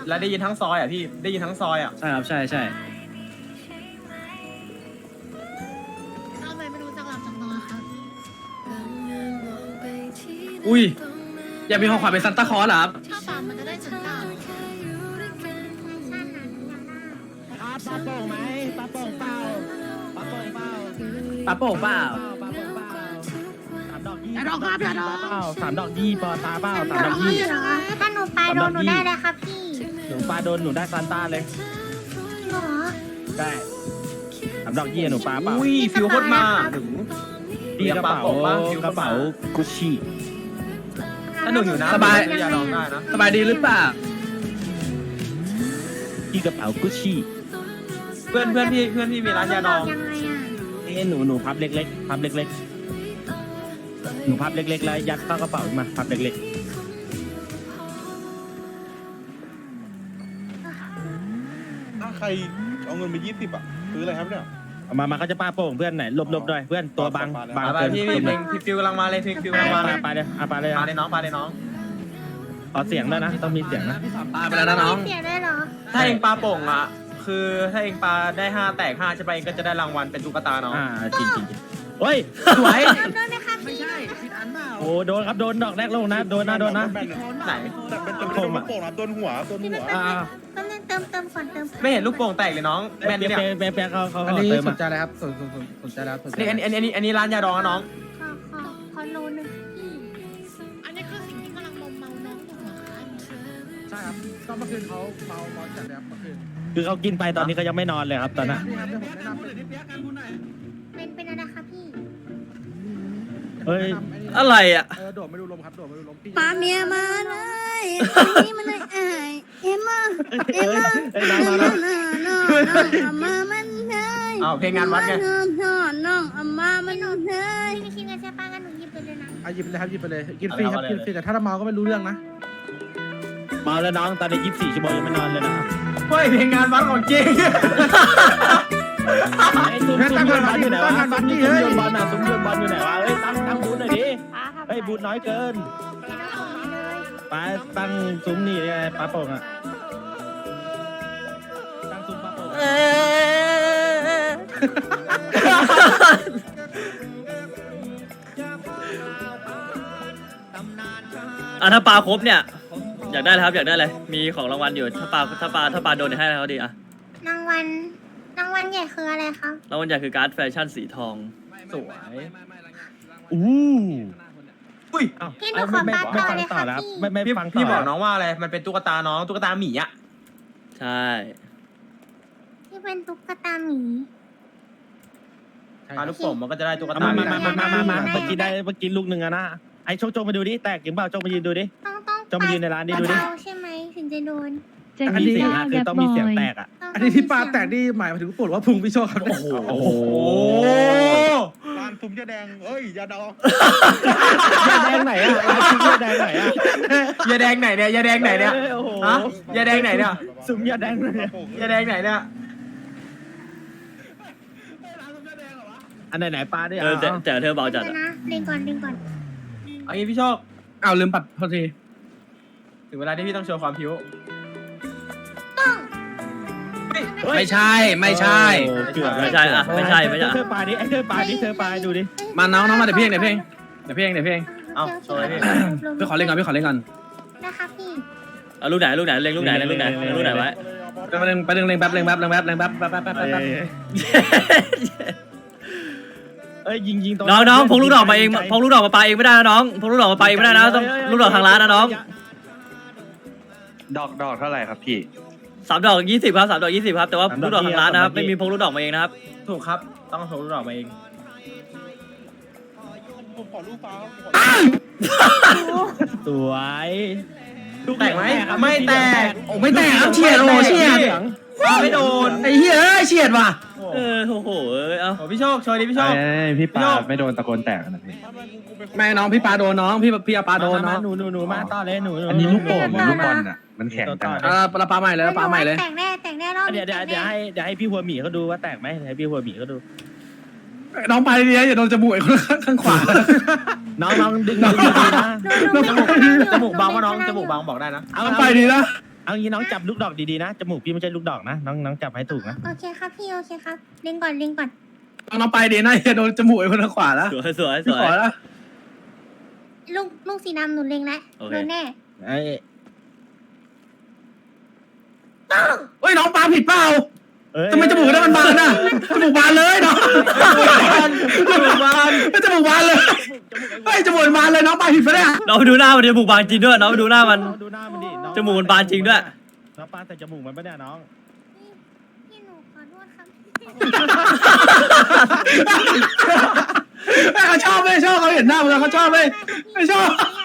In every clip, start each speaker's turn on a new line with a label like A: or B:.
A: แล้วได้ยินทั้งซอยอ่ะพี่ได้ยินทั้งซอยอ่ะ
B: ใช่ครับใช่ใช่
C: ทำไมไม่รู้จักหลับจักนอนครับ
B: อุ้ยอยากมีของขวัญเป็นซันต้าคลอสเหรอครับ
C: ถ้าปามมันจะได้ถึงตา
D: ปลาโป่งไหมปลาโป่งเปล่าปลาโป่งเปล่า
B: ปาโป่งเปล่า
D: ปลาโป่งเปล่าสามดอกยี่
C: อย่าดอกครับอย่าดอก
D: เปล่าสามดอกยี่ปอตาเปล่าสามดอกยี่
E: ถ้าหนูไปโดนหนูได้เลยครับพี่
D: หนูปลาโดนหนูได้ซานต้าเลย
E: หรอ
D: ได้สามดอกยี่หนูปลาเปล่า
A: อุ้ยฟิวโคตรมาถึง
D: ดีกระเป๋ากระเป๋ากุชชี่
A: ถ้าหนูหิวน้ำ
B: สบาย
A: อย่าลองได้นะ
B: สบายดีหรือเปล่า
D: ดีกระเป๋ากุชชี่
A: เพื่อนพี่มีร้านยาดอง
E: ยังไงอ่ะ
D: นี่หนูพับเล็กๆพับเล็กๆหนูพับเล็กๆแล้วยัดเข้ากระเป๋ามาพับเล็ก
F: ถ้าใครเอาเงินไป20อ่ะซื้ออะไรครับเนี่ย
D: ๆเอามาเขาจะปาโป่งเพื่อนไหนหลบๆหน่อยเพื่อนตัวบัง
A: ไป
D: เกิน
A: พี่
D: หลบหน่อย
A: พี่ฟิวกำลังมาเลยฟิวกำลังมาเลย
D: ปาเลยปาเลย
A: ปาเลยน้องปาเลยน้อง
D: ขอเสียงด้วยนะต้องมีเสียงนะ
B: ปาไปแล้วนะน้อง
E: เสียได้เหรอ
A: ถ้าเองปาโป่งอ่ะคือถ้าเองปาได้5แตก5ใช่ปะเองก็จะได้รางวัลเป็นตุ๊กตาน้อง
D: จริงเฮ้ยสวย
E: ทำด้วยไหมครับพี่
D: โอ้โดนครับโดนดอกแรกลงนะโดนนะ
A: ไหน
F: แต่เป็นลูกโป่งนะโดนหัว
E: พี่ไม่เป็นไรก็เล่นเติมก่อนเติม
A: ไม่เห็นลูกโป่งแตกเลยน้องแม่นเนี่ย
D: เปียเขา
G: อันนี้
D: เติม
G: ส
D: มาน
G: ใจแล้วครับสนใจแล้วสนใจ
A: อันนี้ร้านยาดองนะน้อง
E: ขอโลนึงพี่
C: อันนี้คือสิ่งที่กำลังมอมเมาน้องอยู่เหรอคะ
G: ใช่ครับก็เมื่อคืนเขาเมาจัดเลยครับเมื่อคืน
D: คือเขากินไปตอนนี้เขายังไม่นอนเลยครับตอนนั้น
G: พี่ครับเดี๋ยวผมแนะนำ
E: เป็นอะไรคะพี่
D: เฮ้ย
B: อะไรอ่ะ
G: โดดไม่ดูลมครับโดดไม่ดูลมพี่
E: ปาเมียมาเลยนี่มันเลยเอ็มมา
D: เอ้ยน้องมาแล้ว
E: มามันเลย
A: อ้าวเพลงงานวัดไง
E: น้องมามันเลยพี่ไม่คิดเงินใช่ป้างั้นหนูหยิบไปเลยนะ
G: หยิบไปเลยครับหยิบไปเลยกินฟรีครับกินฟรีแต่ถ้าเราเมาก็ไม่รู้เรื่องนะ
D: เมาแล้วน้องตอนนี้24 ชั่วโมงยังไม่นอนเลยนะครับ
A: เฮ้ยเพลงงานวัดของจริง
D: ไอ้ซุ้มโยนบอลอยู่ไหนวะซุ้มโยนบอลน่ะซุ้มโยนบอลอยู่ไหนวะเฮ้ยตั้งบูธหน่อยดิเฮ้ยบูธน้อยเกินไปตั้งซุ้มนี่ไงปลาโป่งอ่ะตั้งซุ้มปลาโป่ง
H: ถ้าปลาครบเนี่ยอยากได้เลยครับอยากได้เลยมีของรางวัลอยู่ถ้าปลาโดนเนี่ยให้อะไรเขาดีอะ
E: รางวัลใหญ่คืออะไรครับ
H: รางวัลใหญ่คือการ์ดแฟชั่นสีทอง
A: สวย
D: อู้
A: อุ้ย
E: พี่หนูขอปลาต่อเลยค่ะพี่
D: ไม่ฟัง
A: พี่บอกน้องว่าอะไรมันเป็นตุ๊กตาน้องตุ๊กตาหมีอ่ะ
H: ใช่
E: ที่เป็นตุ๊กตาหมี
A: ปาลูกโป่งมันก็จะได้ตุ๊กตา
D: มา
A: หมี
D: เมื่อกี้ลูกหนึ่งอะนะไอ้โจงมาดูดิแตกจริงเปล่าโจงมายืนดูดิ
E: ต้อง
D: จงมายืนในร้านนี้ดูดิ
E: เบาๆใช่ไหมถึงจะโดน
D: มีเสียงอะคือต้องมีเสียงแตกอะ
G: อันนี้ที่ปลาแตกนี่หมายถึงปวดว่าพุงพี่โชคครับ
D: โอ้โห
A: โอ้โห
F: ร้านซุ้มยาแดงเอ้ยยาดอง
D: ยาแดงไหนอะยาแดงไหนอะ
A: ยาแดงไหนเนี่ยยาแดงไหนเนี่ย
D: โอ้โห
A: ฮะยาแดงไหนเนี่ย
D: ซุ้มยาแดงเลย
A: ยาแดงไหนเนี่ย
D: อันไหนปลาดิ
H: แต่เธอเบาจัด
E: เดี๋ยว
H: อะ
E: นะเล่นก่อน
A: เอางี้พี่โชค
B: เอาลืมปัดโทษที
A: ถึงเวลาที่พี่ต้องโชว์ความผิว
B: ไม่ใช่ไม่ใช่
D: เกือบ
H: ไม่ใช่อะไม่ใช่
D: เธอปลาดิไอ้เธอปลาดิเธอปลาดูดิ
B: มาน้องมาเดี๋ยวเพลง
A: เอาโชว์เลยพี่
B: พี่ขอเล่นก่อน
E: นะคะพี่
H: เอาลูกไหนเล็งลูกไหนไว้
B: ไปดึงแป๊บ
D: เอ้ยยิงตรง
H: น้องพกลูกดอกมาเองพกลูกดอกมาปาเองไม่ได้นะน้องพกลูกดอกมาปาเองไม่ได้นะต้องลูกดอกทางร้านนะน้อง
F: ดอกเท่าไหร่ครับพี่
H: 3 ดอก 20ครับ3 ดอก 20ครับแต่ว่าลูกดอกทางร้านนะครับไม่มีพกลูกดอกมาเองนะครับ
A: ถูกครับต้องโชว์ลูกดอกมาเอง
F: ผมขอรูปฟ้าครับ
D: สวย
A: แตกไหมไม่แตก
B: โอ้ไม่แตกครับเฉียดโอ้เฉียด
A: ไม่โดน
B: ไอ้เหี้ยเฉียดว่ะ
H: โอ้โหเอา
A: โอ้พี่โชคโชว์ดิพี่โชค
F: พี่ปาไม่โดนตะโกนแตกนะพี่
B: แม่น้องพี่ปาโดนน้องพี่ปาโดนน้อง
D: หนูมาต่อเลยหนู
F: อันนี้ลูกโป่งหรือลูกบอลอ่ะมันแข็งจัง
B: เราปาใหม่เลยปาใหม่เลย
E: แตกแน่รอบ
D: เดี๋ยวให้พี่หัวหมีเขาดูว่าแตกไหมให้พี่หัวหมีเขาดู
B: น้องไปดีอย่าโดนจมูกข้างขวา
D: น้องดึงดีนะ
A: จมูกบางว่าน้องจมูกบางบอกได้นะ
D: เอา
B: ไปดีนะ
D: เอางี้น้องจับลูกดอกดีๆนะจมูกพี่ไม่ใช่ลูกดอกนะน้องจับให้ถูกนะ
E: โอเคครับพี่โอเคครับเล็งก่อน
B: น้องไปดีนะอย่าโดนจมูกไอ้คนทางขวาแล้ว
H: สวยสวยส
B: พี่
H: ว
B: ข
H: ย
B: อแล้ว
E: ลูกสีดำหนูเล็งแล้ว
H: โอเค
E: โดนแน่
D: ไอ้
B: เฮ้ยน้องปลาผิดเปล่า
D: เอ้ย
B: ทำไมจมูกได้มันบานน่ะจมูกบานเลยน้องจมูกบานเลยเฮ้ยจมูกบานเลยน้องปลาผิดปะเนี่ย
H: น้องไปดูหน้ามันจมูกบานจริงด้วยน้องไปดูหน้ามัน
D: ดูหน้ามันดิน้อง
H: จมูกมันบานจริงด้วย
D: น้องปาแต่จมูกมันไม่ได้น้อง
E: พี่หนูขอโทษครับ
B: แม่เขาชอบไม่ชอบเขาเห็นหน้ามันเขาชอบไม่ชอบ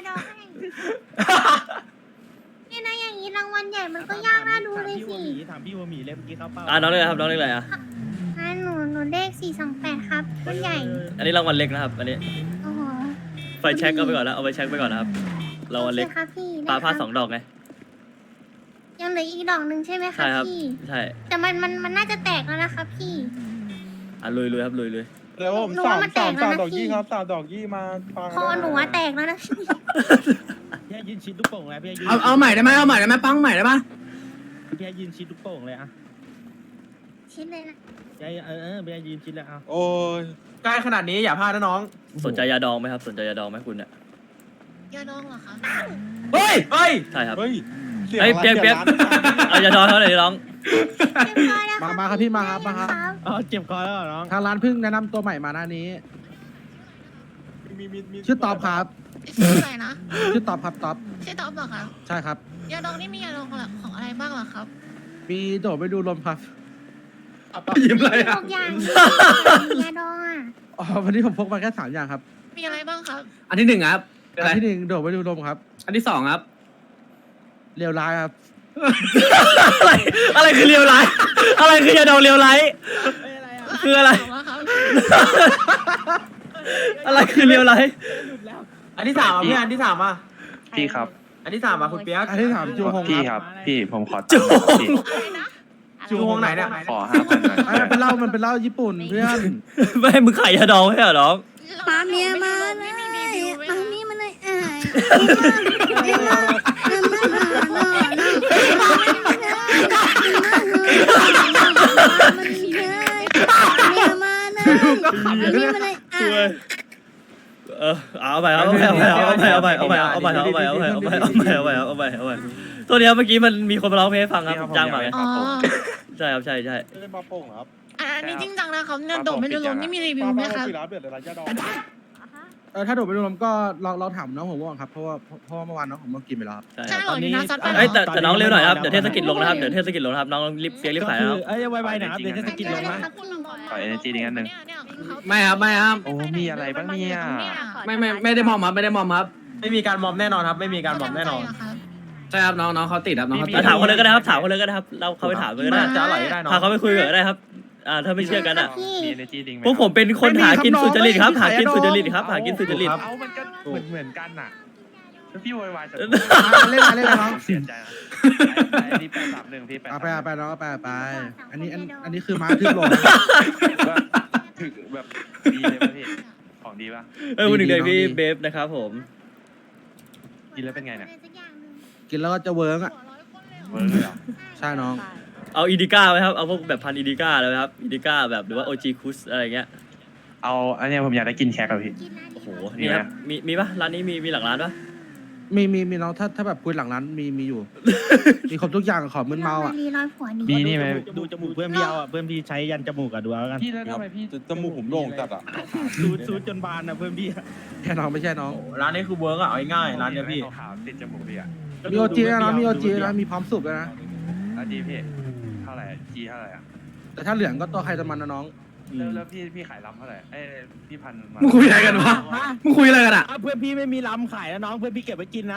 E: เนี่ยนะอย่างนี้รางวัลใหญ่มันก็ยากน่าดูเลยสิ
D: ถามพี่ว่าหมีเลยเมื่อกี้เขาเป้า
H: น้องเล็กครับน้องเล็กอะไรอ่ะ
E: หนูเลข428ครับรุ่นใหญ่
H: อันนี้รางวัลเล็กนะครับอันนี้
E: โอ้โห
H: ไฟแช็กก็ไปก่อนแล้วเอาไปแช็กไปก่อนนะครับรางวัลเล็ก
E: โอคครับพี่
H: ปลาพลาด
E: ได้
H: 2 ดอกไง
E: ยังเหลืออีกดอกหนึ่งใช่ไหมค
H: ใช่
E: รับ
H: ครับ
E: พี่
H: ใช่
E: แต่มันน่าจะแตกแล้วนะครับพี่
H: ลุยครับลุย
F: แล้วผม
E: หนูว่ามันแตกแล้วนะ
F: ดอก
E: พี่
F: ยี่ครับ3 ดอกยี่มาฟัง
E: คอหนูอะแตกแล้วนะพี่
D: พี่ให้ยืนชิดลูกโป่งเลยพี่ให้ยืน
B: เอาใหม่ได้ไหมปังใหม่ได้ปะ
D: พี่ให้ยืนชิดลูกโป่งเลยอะ
E: ชิ้นเลยนะ
D: พี่ให้พี่ให้ยืนชิดเลยเอา
F: โอ้ย
A: ใกล้ขนาดนี้อย่าพลาดนะน้อง
H: สนใจยาดองไหมครับสนใจยาดองไหมคุณเนี่ย
C: ยาดองเหรอคะ
B: เฮ้ย
A: เฮ้ย
H: ใช่ครับ
F: เฮ้ยเสียง
H: เฮ้ยเปียก
F: ร้าน
H: เอายาดองเท่าไหร่น้อง
E: เรียบร้อยแล้ว
G: มาครับพี่มาครับ
D: อ๋อเจ็บคอแล้วเหรอน้อง
G: ทางร้านเพิ่งแนะนำตัวใหม่มาหน้านี้
F: มี
G: ชื่อตอบครับ
C: ชื่ออะไรนะ
G: ชื่อตอบครับตอบ
C: ชื่อต๊อบเหรอคะ
G: ใช่ครับ
C: ยาดองนี่มียาดองของอะไรบ้างเหรอครับ
G: มีโดดไปดูลมครับ
B: ยิ้มเลย
E: ทุ
B: อ่ะ
E: กอย่างยาดองอ่ะ
G: อ๋อวันนี้ผมพกมาแค่3อย่างครับ
C: มีอะไรบ้างครับ
B: อันที่1ครับ
G: อันที่1โดดไปดูลมครับ
B: อันที่2ครับ
G: เรียวร้ายครับ
H: อะไรคือเลียวไลท์อะไรคือยาดองเลียวไลท์คืออะไร
C: ของครับ
H: อะไรคือเลียวไลท์
A: อันที่ 3อ่ะพี่อันที่ 3อ่ะ
I: พี่ครับ
A: อันที่ 3อ่ะคุณเปียก
G: อันที่3จูฮง
I: พี่
G: ค
I: ค
G: รั
I: รั
G: บบ
I: พี่ผมขอ
H: จู
I: ตังค์พี่
C: อะไรนะ
A: จูฮงไหนเนี่ย
I: ขอ5,000หน่อย
G: อันนั้นเป็นเหล้ามันเป็นเหล้าญี่ปุ่นเพื่อน
H: ไม่ให้มึงขายยาดองให้เหรอน้อง
E: มาเมียมาเลย
C: ไม่มีรีวิวไหม
E: มา
C: คะ
E: เมียมาเลยเ
H: เอาไปตัวนี้ครับเมื่อกี้มันมีคนมาร้องเพลงให้ฟังครับผมจ้างมาไง
C: อ๋อ
H: ใช่ครับใช่
F: ไม่ได้มาโป่งเหรอครับ
C: อันนี้จริงจังนะครับเนี่ยโดดไม่ดูลมนี่มีรีวิว
F: ป้า
C: ไหม
F: ป้า
C: ครับ
F: ปิดร้านเดือดเลยร้านยาดอง
G: ถ้าโดดไปดูลมก็เราถามน้องผมก่อนครับเพราะว่าเมื่อวานน้องผมก็กินไปแล้วครับ
C: ใช่เหรอนี่นะซัดไปเหร
H: เอ้ย
C: อ
H: แต่น้องเร็วหน่อยครับเดี๋ยวเทศกิจลงนะครับเดี๋ยวเทศกิจลงนะครับน้องรีบเปียกรีบขายนะครับ
D: เอ้ยไวๆหนะครับเดี๋ยวเทศกิจลงนะ
I: ขอ energy นิดนึง
B: ไม่ครับ
I: โอ้มีอะไรบ้างเนี่ย
B: ไม่ได้มอมครับไม่ได้มอมครับ
A: ไม่มีการมอมแน่นอนครับ ไม่มีการมอมแน่นอน
B: ใช่ครับน้องเขาติดครับน้องเขาติด
H: ถามคนเลยก็ได้ครับถามคนเลยก็ได้ครับเราเขาไปถามเลยก็ได้
A: จะอร่อยก็ได้เนาะ
H: พาเขาไปคุยกันก็ได้ครับถ้าไม่เชื่อกันอ่ะ
I: มี energy ดิ้งไหม
H: พวกผมเป็นคนหากินสุจริตครับหากินสุจริตครับหากินสุจริต
I: เอามันก็เหมือนกันน่ะแล้วพี่โวยวายจะ
G: เล่นน้อง
I: เสียใจนะอันนี้831พี่
G: เอาไป
I: 831
G: น้องเอาไปอันนี้คือม้าทึบลง
I: ว่าถึงแบบดีเลยป่ะพี่ของดีป่ะ
H: วันหนึ่งเลยพี่
G: ดี
H: เบฟนะครับผม
I: กินแล้วเป็นไงเนี่ย
G: กินแล้วก็จะเวิร์กอ่ะ
I: เวิร์กเลยเหรอ
G: ใช่น้อง
H: เอาอีดิก้าไหมครับเอาพวกแบบพันอีดิก้าเลยไหมครับอีดิก้าแบบหรือว่าโอจีคุสอะไรเงี้ย
I: เอาอันเนี้ยผมอยากได้กินแคกอะพี่
H: โอ้โหนี่ครับมีปะร้านนี้มีหลังร้านปะ
G: มีน้องถ้าแบบคุยหลังร้านมีอยู่ มีครบทุกอย่างขอมึนเมาอ่ะ
E: รีร้อยผัวนี่
I: มีนี่ไหม
D: ดูจมูกเพื่อนพี่เอาอ่ะเพื่อนพี่ใช้ยันจมูกอ่ะดูเอากัน
I: พี่แล้วทำไมพี่
F: จมูกผมโด่งจัดอ่ะ
D: ซูดจนบานอ่ะเพื่อนพี่
G: แค่น้องไม่ใช่น้อง
A: ร้านนี้คือเวิร์กอ่ะเอาง่ายๆร้านเนี้ยพี่
I: ขาวๆติดจมูกพี่อ่ะ
G: มีโอจีนะมีโอจีนะมีพร้อมสุกนะ
I: แล้วดีพี่เท่าไหร่จีเท่าไหร่อ่ะ
G: แต่ถ้าเหลืองก็ตัวใครตัวมันนะน้อง
I: แล้วพี่ขายลำเท่าไหร่เอ้ยพี่พันมา
B: มึงคุยอะไรกันวะมึงคุยอะไรกันอ่ะ
D: เพื่อนพี่ไม่มีลำขายนะน้องเพื่อนพี่เก็บไว้กินนะ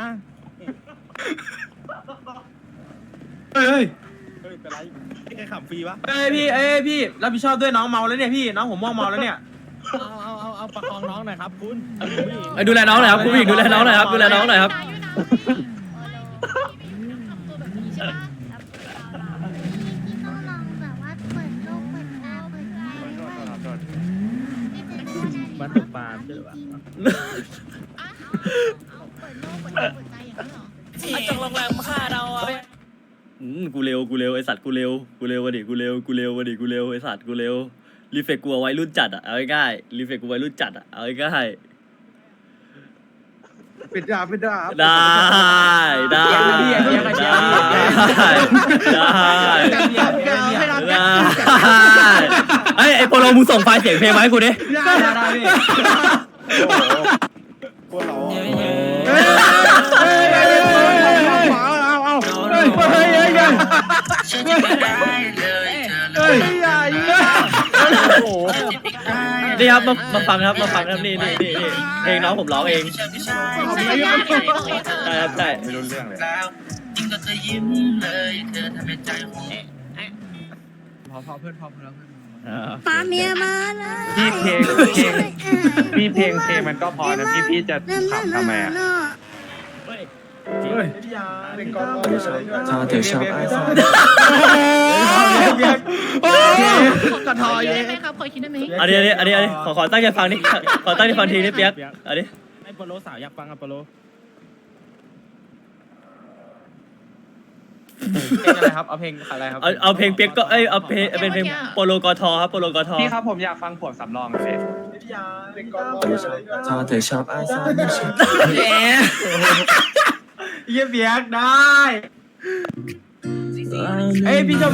B: เฮ้ย
F: เฮ้ยเป็นไร
D: ไอ้ขำฟรีปะ
A: เอ้ยพี่รับผิดชอบด้วยน้องเมาแล้วเนี่ยพี่น้องผมม่วงเมาแล้วเนี่ย
D: เอาประคองน้องหน่อยครับคุณ
H: ดูแลน้องหน่อยครับคุณผู้หญิงดูแลน้องหน่อยครับดูแลน้องหน่อยครับ
E: พี่ต้องลองแบบว่าเปิดโลกเปิดตาเปิดใจด้วย
D: มันตกปลาใช่หรือเปล่า
C: เปิดโลกเปิดตาเปิดใจอย่างนั้นเหรอ
H: จงโรงแรมฆ่าเรากูเร็วไอสัตว์กูเร็ววะดิกูเร็วไอสัตว์กูเร็วรีเฟกกูเอาไว้รุ่นจัดอะเอาง่ายๆรีเฟกกูไว้รุ่นจัดอะเอาง่ายๆ
G: ปิดดาบ
H: ได้ไอโปโลมึงส่งไฟล์เสียงเพลงมาให้กูดิ
A: ได้พี่
F: โอ้โหพวกเราอะ
H: นี่ครับมาฟังครับนี่เพลงน้องผมร้องเองใช่ครับใช่
I: ไม่รู้เรื่องเลย
G: พอเพื่อนแล้ว
E: ปาเมียมาเลย
I: พี่เพลงมันก็พอนะพี่จะขับทำไมอ่ะ
F: เป็นกองร้อยเลยด้วย
A: ชอบเธอชอบไอ้ซอน
C: กระทอยได้ไหมครับขอคิดได้ไหม
H: อันนี้ขอตั้งใจฟังนี่ขอตั้งใจฟังทีนี่เปียกอันนี้
D: ไอ้โปโลสาวอยากฟังอะโปโล
A: เพลงอะไรครับเอาเพลงอะไรครับ
H: เอาเพลงเปียกก็เอาเพลงเป็นเพลงโปโลกอทอครับโปโลกอทอ
I: พี่ครับผมอยากฟังผัวสำรองเลย
F: เป็นกองร้อยเลยด้วย
A: ชอบเธอชอบไอ้ซอนเยี่ยเบียกได้เอ้ยพี่ชอบ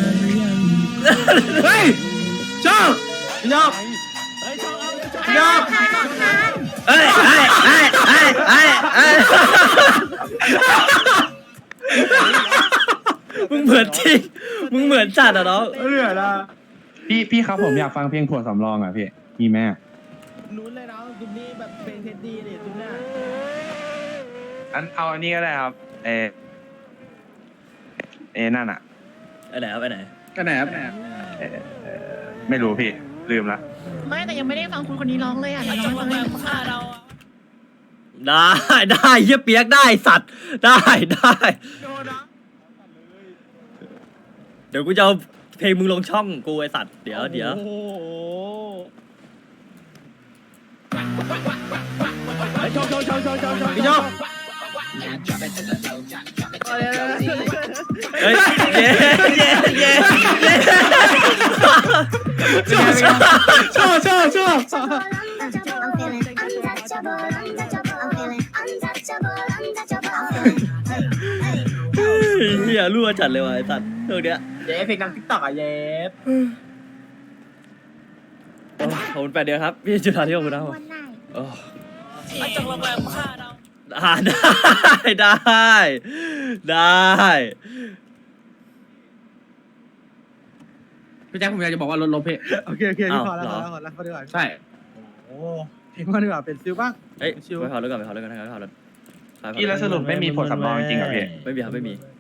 B: เฮ้ยชอบ
A: พี่ชอบ
H: เอ้ยมึงเหมือนจริงมึงเหมือนจัดอ่ะน้อง
A: เหลือละ
I: พี่ครับผมอยากฟังเพลงผัวสำรองอ่ะพี่มีแม่
D: นู้นเลยน้องซุมนี่แบบเพลงเท็ดดี้นี่ซุมหน้า
I: เอาอันนี้ก็ได้ครับนั่นอ่ะ
H: ไอ้ไหนครับไอ้ไหน
B: กันไหนครับ
I: ไม่รู้พี่ลืมละ
C: ไม่แต่ยังไม่ได้ฟังคุณคนนี้ร้องเลยอ่ะเดี๋ยวร้องให้ฟังเลย
H: ได้เฮียเปียกได้สัตว์ได้เดี๋ยวกูจะเอาเพลงมึงลงช่องกูไอสัตว์เดี๋ยว
D: โอ้โหชอบ
A: พี่ชอบ
H: เฮ้ยเย้
B: ชอบ
H: เฮียรั่วจัดเลยว่ะไอสัตว์เรื่องเนี้ย
A: เย้เพลงดังทิกตอกอ่ะเย้
H: ขอบคุณ8 เดือนครับพี่จุฬาที่ขอบคุณนะครับ
E: วันไหน
H: โอ้ ได้
B: พี่แจ็คผมอยากจะบอกว่ารถลบพี่
G: โอเคพี่พอแล้วดีกว่า
B: ใช่
G: โอ้เพลงมาดีกว่าเป็นซิลบ้าง
H: เฮ้ยไปเผาแล้วก่อน
I: พี่แล้วสรุปไม่มีผัวสำรองจริงเหรอพี่
H: ไม่มีครับไม่มี